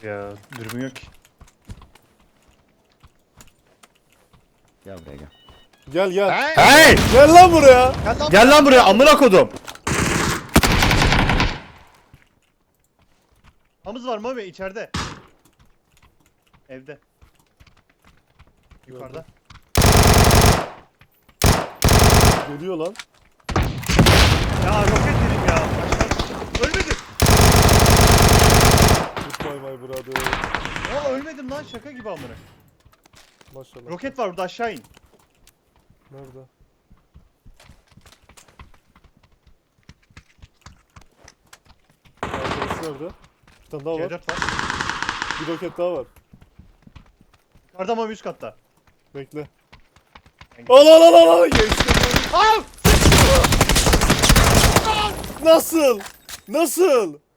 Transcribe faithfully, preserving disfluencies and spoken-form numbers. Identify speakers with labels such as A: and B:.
A: Ya dürbün yok ki.
B: Gel buraya gel.
C: Gel gel.
D: Hey!
A: Hey!
C: Gel lan buraya.
D: Gel lan.
A: Gel lan buraya amına kodum.
D: Hamız var Mami içeride. Evde. Yukarıda.
C: Geliyor lan.
D: Ya roket dedim ya. Aşağı- Ölmedim.
C: Goodbye my brother.
D: Aa ölmedim lan şaka gibi amına.
C: Maşallah.
D: Roket var burada aşağı in.
C: Nerede? Arkadaşı nerede? Bir tane daha
D: C
C: var.
D: dört var.
C: Bir roket daha var.
D: Yukarıda Mami üst katta.
C: Bekle. Al al al al al. Geçtim.
D: Aa!
C: Nasıl? Nasıl?